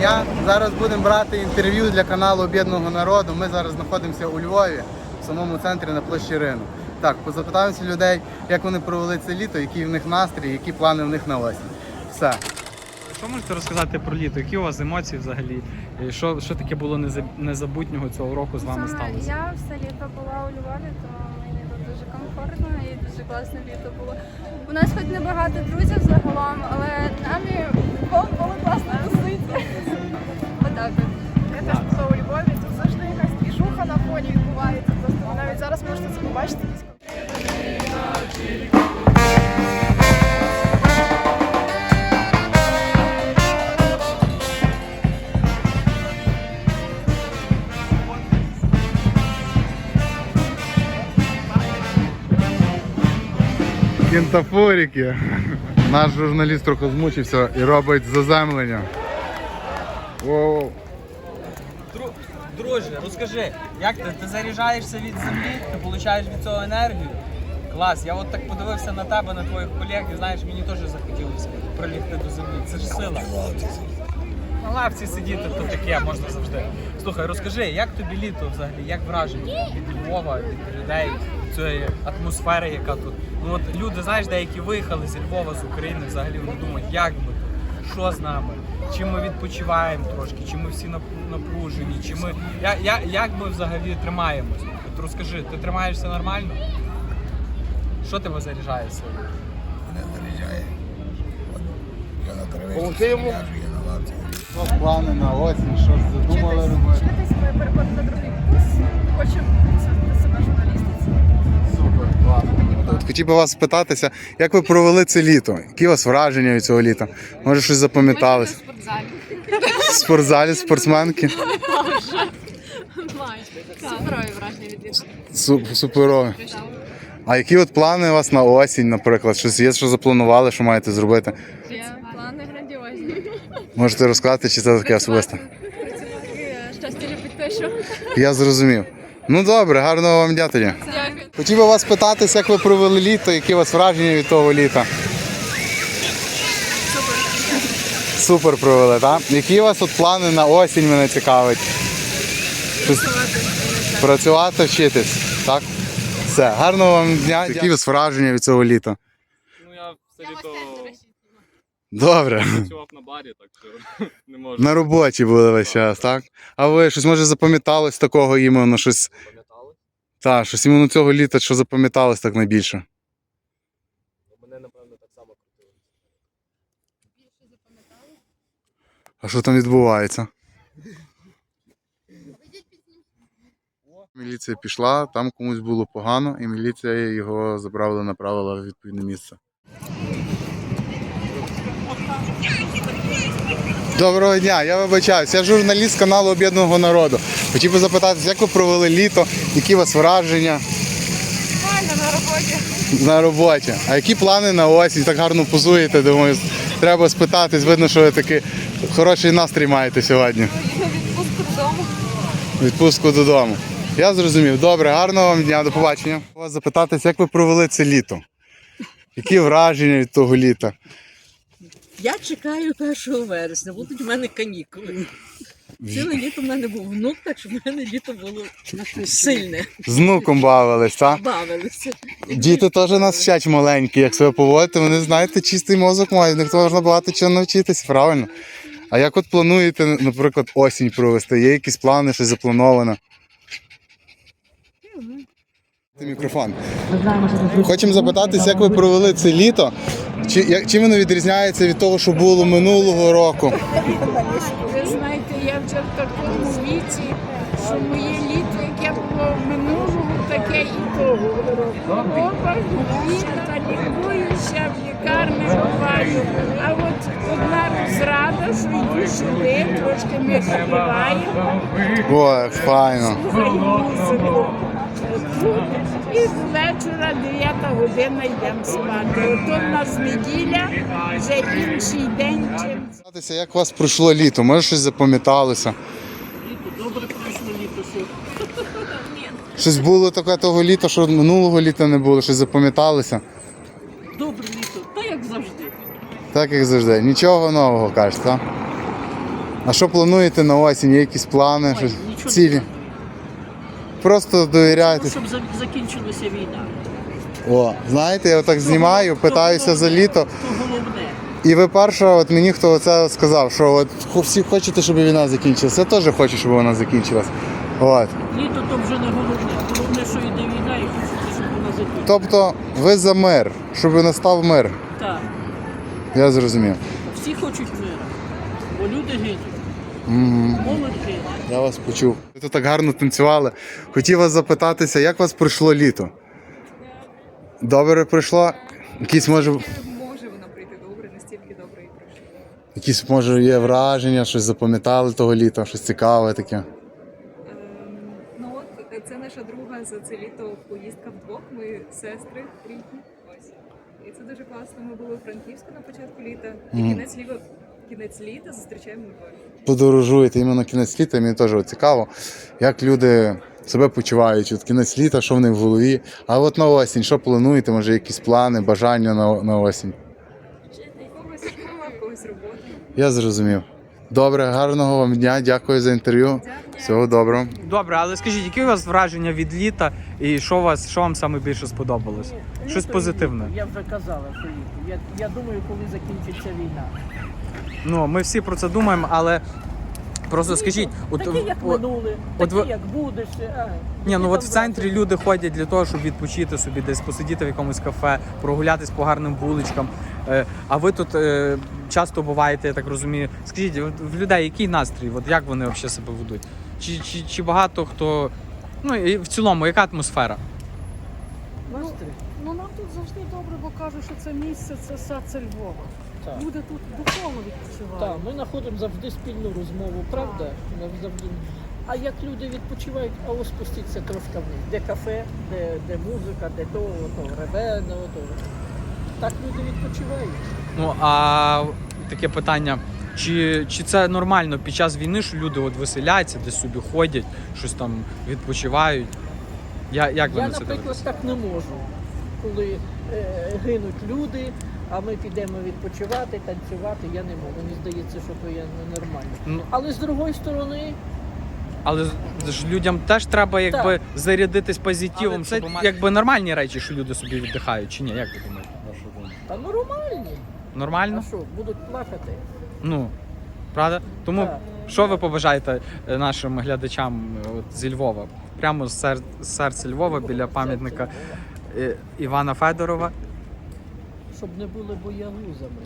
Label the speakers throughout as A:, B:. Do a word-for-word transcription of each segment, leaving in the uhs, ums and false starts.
A: дня. Зараз будемо брати інтерв'ю для каналу Об'єднаного народу. Ми зараз знаходимося у Львові, в самому центрі на площі Ринок. Так, позапитаємося людей, як вони провели це літо, який в них настрій, які плани в них на осінь. Все.
B: Що можете розказати про літо? Які у вас емоції взагалі? І Що, що таке було незабутнього цього року з вами
C: Саме
B: сталося?
C: Я все літо була у Львові, то мені тут дуже комфортно і дуже класне літо було. У нас хоч небагато друзів загалом, але нам і Львов було класно тусити. Отак от.
D: Я теж була у Львові, тут завжди якась двіжуха на фоні відбувається. Просто ви навіть зараз можете це побачити.
A: Кінтафорики. Наш журналіст трохи змучився і робить заземлення. Воу.
E: Друже, розкажи, як ти? Ти заряджаєшся від землі, ти отримуєш від цього енергію? Клас, я от так подивився на тебе, на твоїх колег, і знаєш, мені теж захотілося прилігти до землі. Це ж сила. На лавці сидіти, то таке, можна завжди. Слухай, розкажи, як тобі літо взагалі, як враження від Львова, від людей, від цієї атмосфери, яка тут? Ну от люди, знаєш, деякі виїхали зі Львова, з України, взагалі вони думають, як ми тут, що з нами, чи ми відпочиваємо трошки, чи ми всі напружені, чи ми, я, я, як ми взагалі тримаємось? От розкажи, ти тримаєшся нормально? Що тебе заряджає сьогодні?
F: Мене заряджає. Я на траві,
A: Помогти йому?
F: я на лавці.
A: Що плани на осінь, що ж задумали
D: Вчитись,
A: робити?
D: вчитись, переходити на другий курс. Хочемо посвятити себе журналістиці.
A: Супер, класно. От хотів би вас спитатися, як ви провели це літо? Які у вас враження від цього літа? Може щось запам'яталось?
G: В спортзалі.
A: В спортзалі, спортсменки?
G: Суперові враження від літа.
A: Су- Суперові. А які от плани у вас на осінь, наприклад? Щось є, що запланували, що маєте зробити?
G: Є плани грандіозні.
A: Можете розказати, чи це таке особисте?
G: Працювати, щастя любить те, що.
A: Я зрозумів. Ну добре, гарного вам дня тоді.
G: Дякую.
A: Хотів би вас питатися, як ви провели літо, які у вас враження від того літа? Супер. Супер провели, так? Які у вас от плани на осінь, мене цікавить? Щось... Працювати, вчитись, так? Все, гарного вам дня. Які у вас враження від цього літа?
B: Ну я все літо
A: Добре.
B: працював на барі, так що не можу.
A: На роботі були весь час, так? А ви щось може запам'яталось такого іменно, щось?
B: Пам'ятали?
A: Так, щось іменно цього літа, що запам'яталось так найбільше?
B: Мене, напевно, так само крутили.
A: А що там відбувається? Міліція пішла, там комусь було погано, і міліція його забрала, направила в відповідне місце. Доброго дня, я вибачаюсь, я журналіст каналу Об'єднаного народу. Хотів би запитатися, як ви провели літо, які у вас враження?
D: Нормально, на роботі.
A: На роботі. А які плани на осінь? Так гарно позуєте, думаю, треба спитатись, видно, що ви такий хороший настрій маєте сьогодні.
G: Відпустку додому.
A: Відпустку додому. Я зрозумів. Добре, гарного вам дня, до побачення. Хочу вас запитатись, як ви провели це літо? Які враження від того літа?
H: Я чекаю першого вересня, будуть у мене канікули. Ціле літо в мене був внук, так що в мене літо було сильне.
A: З внуком бавились, так?
H: Бавилися.
A: Діти теж нас вчать маленькі, як себе поводити, вони, знаєте, чистий мозок мають, в них можна багато чого навчитися, правильно? А як от плануєте, наприклад, осінь провести? Є якісь плани, щось заплановано? Мікрофон. Хочемо запитатися, як ви провели це літо? Чи, як, чим воно відрізняється від того, що було минулого року?
I: Ви знаєте, я вже в такому віці, що моє літо, яке було минулого, таке і того року. Оба літа лікуюся, в лікарні буваю. А от одна розрада, що йду сюди, трошки ми співаємо,
A: О, як файно.
I: слухаємо музику. Тут і з вечора дев'ята година йдемо спати. От у нас неділя, вже інший день, чим
A: Запитатися, як у вас пройшло літо? Може щось запам'яталося?
H: Добре пройшло літо, що
A: Щось було таке того літа, що минулого літа не було, щось запам'яталося?
H: добре літо, та як завжди.
A: Так як завжди. Нічого нового, кажете, так? А що плануєте на осінь? Є якісь плани,
H: Ой,
A: щось?
H: нічого не
A: Цілі?
H: планую.
A: Просто довіряєте.
H: Щоб за- закінчилася війна.
A: О, знаєте, я отак знімаю, питаюся за літо.
H: То головне.
A: І ви перша, от мені хто це сказав, що от хо- всі хочете, щоб війна закінчилася. Я теж хочу, щоб вона закінчилась. От.
H: Літо то вже не головне. Головне, що йде війна і хочеться, щоб вона закінчилася.
A: Тобто ви за мир, щоб настав мир.
H: Так.
A: Я зрозумів.
H: Всі хочуть миру, бо люди гинуть.
A: Угу.
H: Молодь гине.
A: Я вас почув. Ви тут так гарно танцювали. Хотів вас запитатися, як у вас пройшло літо? Добре пройшло? Якісь може.
G: Може воно прийти добре, настільки добре і пройшло.
A: Якісь може є враження, щось запам'ятали того літа, щось цікаве таке.
G: Ем, ну от це наша друга за це літо поїздка вдвох. Ми сестри рідні. Ось. І це дуже класно. Ми були у Франківську на початку літа. І
A: Мгм.
G: кінець літа, кінець літа зустрічаємо у Львові.
A: Подорожуєте іменно кінець літа, мені теж от цікаво, як люди себе почувають, от кінець літа, що в них в голові. А от на осінь, що плануєте, може якісь плани, бажання на, на осінь?
G: У когось школа, в когось робота.
A: Я зрозумів. Добре, гарного вам дня, дякую за інтерв'ю. Всього доброго.
B: Добре, але скажіть, які у вас враження від літа і що у вас, що вам саме більше сподобалось? Щось
H: Літо і
B: позитивне.
H: літо. Я вже казала, що літо. Я, я думаю, коли закінчиться війна.
B: Ну, ми всі про це думаємо, але просто скажіть, от,
H: Такі, як
B: о-
H: минули,
B: от
H: такі,
B: ви-
H: як будеш. А,
B: Ні, ну
H: які
B: от
H: там
B: в центрі
H: брати?
B: люди ходять для того, щоб відпочити собі, десь посидіти в якомусь кафе, прогулятись по гарним вуличкам. Е, А ви тут е, часто буваєте, я так розумію. Скажіть, от в людей який настрій? От як вони взагалі себе ведуть? Чи, чи, чи багато хто. Ну і в цілому, яка атмосфера?
H: Настрій?
J: Ну нам тут завжди добре, бо кажуть, що це місце, це серце Львова.
H: Так.
J: Люди тут духовно відпочивають.
H: Так, ми знаходимо завжди спільну розмову, правда? Ми завжди. А як люди відпочивають, а ось спустіться трошки вниз. Де кафе, де, де музика, де то, то реве, то, то. Так люди відпочивають.
B: Ну а таке питання. Чи, чи це нормально під час війни, що люди от веселяться, десь собі ходять, щось там відпочивають? Я, як ви
H: Я,
B: на це
H: наприклад,
B: дивитесь?
H: так не можу. Коли е, гинуть люди, а ми підемо відпочивати, танцювати, я не можу. Мені здається, що то є ненормально.
B: Ну,
H: Але з другої сторони,
B: але ж людям теж треба якби зарядитись позитивом.
H: Але
B: Це
H: щоб
B: якби нормальні речі, що люди собі віддихають, чи ні? Як ви думаєте? Вашу думку?
H: та нормальні.
B: Нормально?
H: А що, будуть плакати?
B: Ну, правда? Тому
H: Так.
B: що ви побажаєте е, нашим глядачам е, от, зі Львова? Прямо з сер... з серця Львова, біля пам'ятника е, Івана Федорова.
H: Щоб не були боягузами.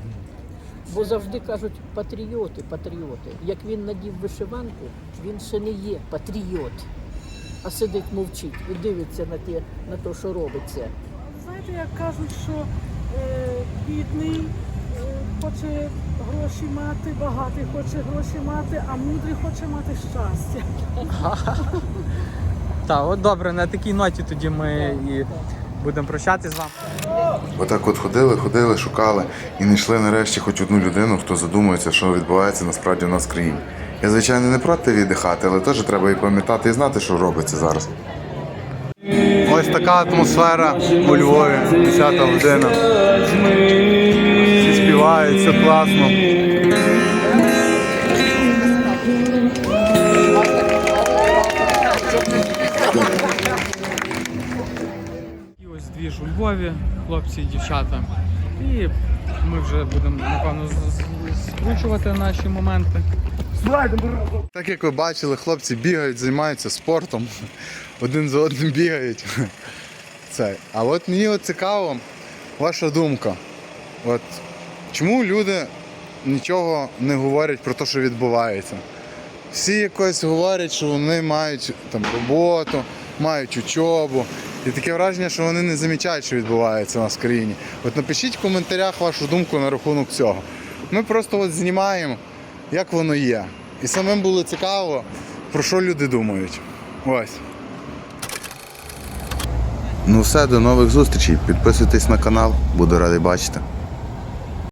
H: Бо завжди кажуть патріоти, патріоти. Як він надів вишиванку, він ще не є патріот, а сидить мовчить і дивиться на те, на те, що робиться.
J: Знаєте, як кажуть, що е, бідний е, хоче гроші мати, багатий хоче гроші мати, а мудрий хоче мати щастя.
B: Так, от добре, на такій ноті тоді ми і будемо прощатися з вами.
K: Отак от ходили, ходили, шукали і знайшли нарешті хоч одну людину, хто задумується, що відбувається насправді в нас в країні. Я, звичайно, не проти віддихати, але теж треба і пам'ятати і знати, що робиться зараз.
A: Ось така атмосфера у Львові, десята година. Всі співають, все класно.
B: І ось дві ж у Львові, хлопці і дівчата. І ми вже будемо, напевно, з- з- скручувати наші моменти.
A: Так як ви бачили, хлопці бігають, займаються спортом, один за одним бігають. Це. А от мені от цікаво ваша думка. От чому люди нічого не говорять про те, що відбувається? Всі якось говорять, що вони мають там роботу, мають учобу. І таке враження, що вони не замічають, що відбувається у нас в країні. От напишіть в коментарях вашу думку на рахунок цього. Ми просто от знімаємо, як воно є. І самим було цікаво, про що люди думають. Ось.
K: Ну все, до нових зустрічей. Підписуйтесь на канал, буду радий бачити.